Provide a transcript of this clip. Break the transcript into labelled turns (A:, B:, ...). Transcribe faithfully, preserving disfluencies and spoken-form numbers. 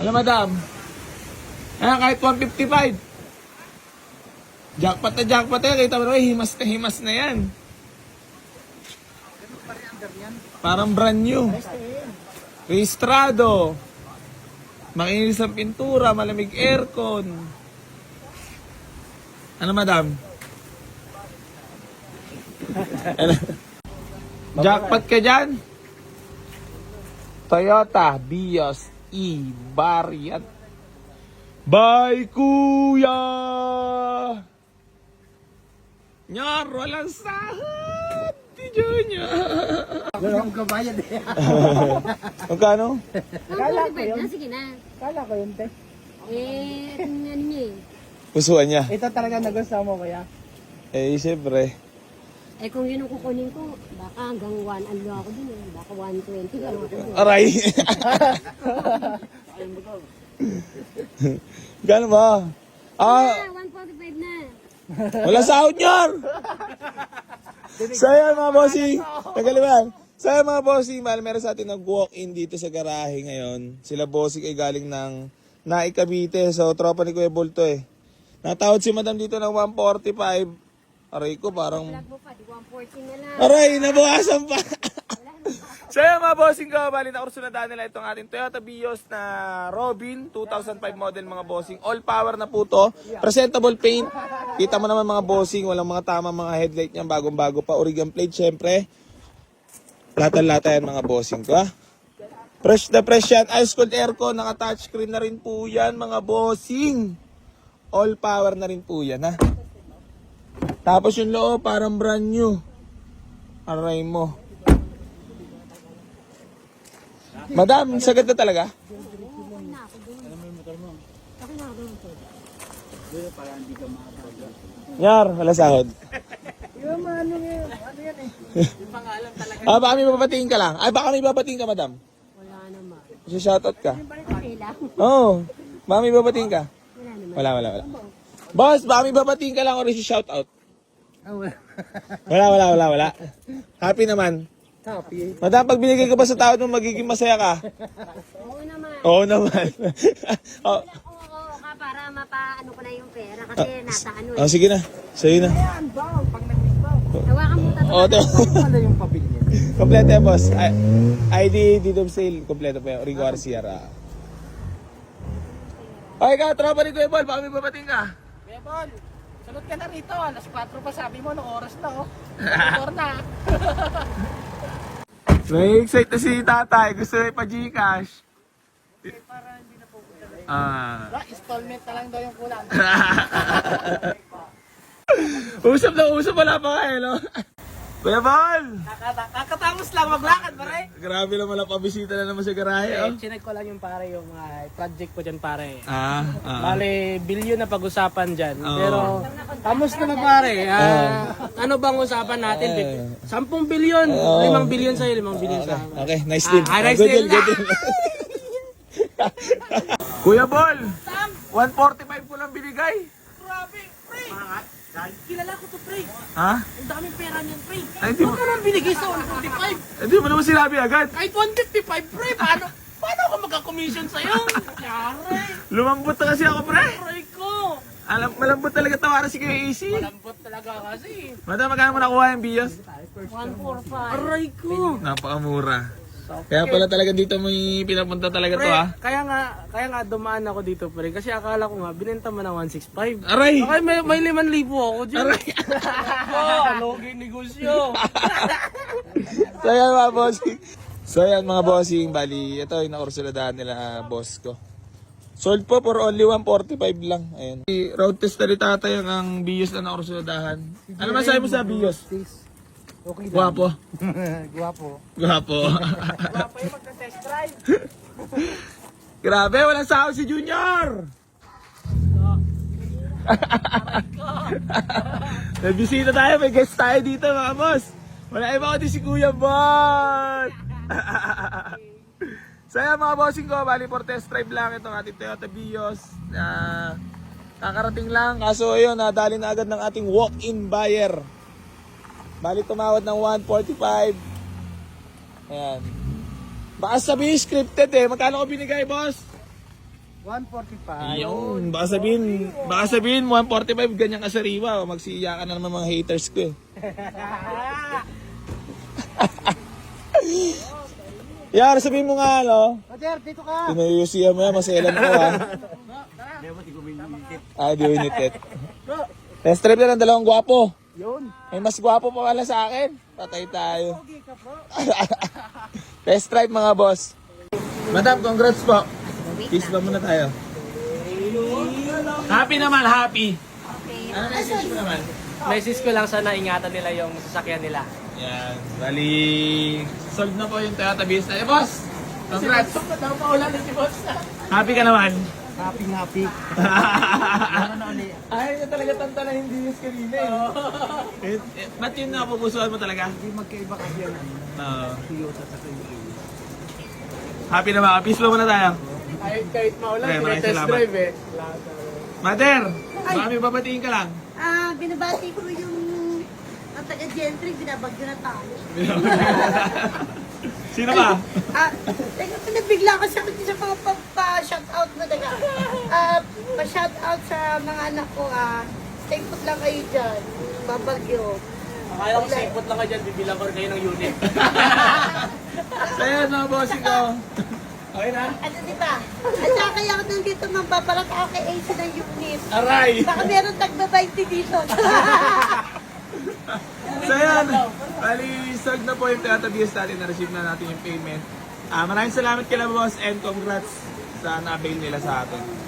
A: Alam, madam. Ayan, kahit one fifty-five. Jackpot na jackpot yan. Kita mo naman, himas na himas na yan. Parang brand new. Rehistrado. Makinis ang pintura, malamig aircon. Ano, madam? Ano? Jackpot ka dyan? Toyota Vios E-Variant. Bye, kuya! Nyar, walang sahod! Si Junior!
B: Walang kabayan eh.
A: Magkano?
B: Kala ko yun.
C: Na, sige na.
B: Kala ko yun, te.
C: Eh, ano niya eh.
A: Pusuan niya.
B: Ito talaga nagustuhan mo, kuya.
A: Eh, siyempre.
C: Eh, kung yun ang kukunin ko, baka hanggang one, ano ako dun eh. Baka one twenty, ano ako dun.
A: Aray! Gano'n ba? Ah,
C: Ah, one forty-five na.
A: wala sahod nyar! So yan mga bossing, nagaliman. So yan mga bossing, mahal meron sa atin nag-walk-in dito sa garahe ngayon. Sila bossing ay galing ng Naikabite. So tropa ni Kuya Bolto eh. Natawad si madam dito ng one forty-five. Aray ko parang...
C: Vlog mo pa, di one forty na lang.
A: Aray, nabawasan pa. So yan mga bossing ko, bali na kursunadaan nila itong ating Toyota Vios na Robin, two thousand five model mga bossing. All power na po to. Presentable paint. Kita mo naman mga bossing, walang mga tama mga headlight niyan, bagong bago pa. Origan plate syempre. Latan-lata yan mga bossing ko ha. Fresh na fresh yan. Ice cold aircon, naka-touchscreen na rin po yan mga bossing. All power na rin po yan ha. Tapos yung loob parang brand new. Aray mo. Madam, sagad na talaga? Yar, wala sahod.
B: Yung ano yun, ano yan eh. Yung pangalan talaga.
A: Ah, baka may babatingin ka lang. Ay, baka may babatingin ka, madam.
C: Wala naman.
A: Kasi shoutout ka.
C: Okay lang.
A: Oo. Oh, baka may babatingin ka.
C: Wala naman.
A: Wala, wala, wala. Boss, baka may babatingin ka lang o rin si shoutout.
B: Ah, wala.
A: Wala, wala, wala, wala. Happy naman.
B: Happy.
A: Madam, pag binigay ka ba sa tao mo, magiging masaya ka?
C: Oo naman.
A: Oo naman. oh,
C: Oo, oo ka para mapaano ko na yung pera kasi nasa ano
A: oh,
C: eh.
A: sige na. Sige na.
B: Ayan, baw. Pag nag-baw.
C: Hawakan mo tatlo.
A: Oh, to.
B: Ano yung pamilya?
A: Kompleto yan, boss. I- ID, deed of sale, kompleto pa yan. Rico Arciera. Okay ka, tropa ni Kuya Bol, baka may babating ka.
B: Bebol, sunod ka na rito. Alas kwatro pa sabi mo, nung oras na oh. Motor na.
A: May-excite na si tatay, gusto na ipa-Gcash.
B: Para hindi na pupunta na.
A: Ah.
B: Wala, installment na lang daw yung kulang.
A: Usap na usap, wala pa nga eh, no? Kuya Bol!
B: Kakata- Kakatapos lang maglakad, pare.
A: Grabe naman lang, pabisita na naman sa garahe, oh.
B: Eh, chinek ko lang yung pare, yung mga project ko dyan, pare.
A: Ah, ah.
B: Bale, bilyon na pag-usapan dyan.
A: Oo.
B: Pero, kamusta na pare? Ah, ano bang usapan natin? Sampung bilyon.
A: Oo.
B: Limang bilyon sa'yo, limang bilyon sa akin.
A: Okay, nice deal.
B: Ah, nice
A: Good
B: deal.
A: good deal. Kuya Bol! one forty-five ko lang binigay.
B: Grabe, pre. Kilala ko to, pre.
A: Ha?
B: Ang daming pera niyan, pre.
A: Ay, di mo,
B: Ano naman binigay sa one forty-five?
A: hindi mo naman sinabi agad.
B: Kahit one fifty-five, pre. Paano? Paano ako magka-commission sa'yo? Yare.
A: Lumambot na kasi ako, pre.
B: Aray ko.
A: Alam, malambot talaga tawaran si Kuya A C.
B: Malambot talaga kasi.
A: Madam, magkano mo nakuha yung Vios?
C: one forty-five.
B: Aray ko.
A: Napakamura. Kaya pala talaga dito may pinapunta talaga to,
B: Pre,
A: ha?
B: kaya nga, kaya nga dumaan ako dito, pre. Kasi akala ko nga, binenta mo na one sixty-five.
A: Aray!
B: Okay, may, may liman libo ako dyan.
A: Aray!
B: Oh, alogin negosyo.
A: So yan mga bossing. So yan mga bossing, bali, ito yung nakursuladahan nila ah, boss ko. Sold po for only one forty-five lang. Ayan. Road test na rin tatay ang, ang Vios na nakursuladahan. Ano masabi mo sa Vios?
B: Okay lang.
A: Guwapo.
B: Guwapo.
A: Guwapo.
B: Guwapo yung magka-test drive.
A: Grabe, walang sahod si Junior! May bisita tayo, may guest tayo dito mga boss. Wala iba kundi si Kuya Bot! So yan mga bossing ko, bali for test drive lang itong ating Toyota Vios. Uh, kakarating lang, kaso ayun, nadali na agad ng ating walk-in buyer. Bali tumawad ng one forty-five. Ayan. Baka sabihin scripted eh. Magkano ko binigay, boss?
B: one forty-five.
A: Ayun, baka sabihin, baka sabihin one forty-five, ganyan ka sariwa. Magsiya ka na naman mga haters ko eh. Yan, sabihin mo nga, ano?
B: Roger, dito ka.
A: Tinayusiya mo yan, maselan ko ha. Ah, di winitit. Test drive na ng dalawang gwapo.
B: Yun.
A: May mas gwapo pa pala sa akin. Patay tayo.
B: Okay ka po.
A: Test drive mga boss. Madam, congrats po. Kiss ba muna tayo? Happy naman, happy. Ano message mo naman?
B: Message ko lang sana ingatan nila yung sasakyan nila.
A: Yan. Bali, solve na po yung Toyota Vios na. Eh, boss! Congrats!
B: Napaulan na si boss.
A: Happy ka naman?
B: Happy, happy.
A: Ay, na talaga tanta na hindi yung kanina eh. eh, eh. Ba't yun napupusuan mo talaga?
B: Hindi magkaiba kasi yan.
A: Oo.
B: Toyota sa Toyota.
A: Happy naman. Peace mo muna tayo.
B: Kahit, kahit maulan,
A: Okay, maraming
B: test
A: salamat.
B: drive eh.
A: Mother! Baka may babatiin ka lang.
D: Ah, binabati ko yung ang taga-gentry, binabagyo na tayo.
A: Sino ba?
D: Ah, teka, nabigla kasi ako sa mga pa-shoutout mo, taga. Ah, pa-shoutout sa mga anak ko, ah. Stay put lang kayo dyan. Babagyo.
B: Akala ko sipot lang ka dyan, bibilang ko rin kayo ng unit.
A: Sa'yo na, bossing ko. Okay na?
D: Ano, di ba? At saka kaya ako nandito, magbabarat ako kay A C ng unit.
A: Aray!
D: Baka meron tagba-twenty dito.
A: So yan, bali, solved na po yung Toyota Vios natin, na-receive na natin yung payment. Ah, maraming salamat kila boss and congrats sa na-avail nila sa atin.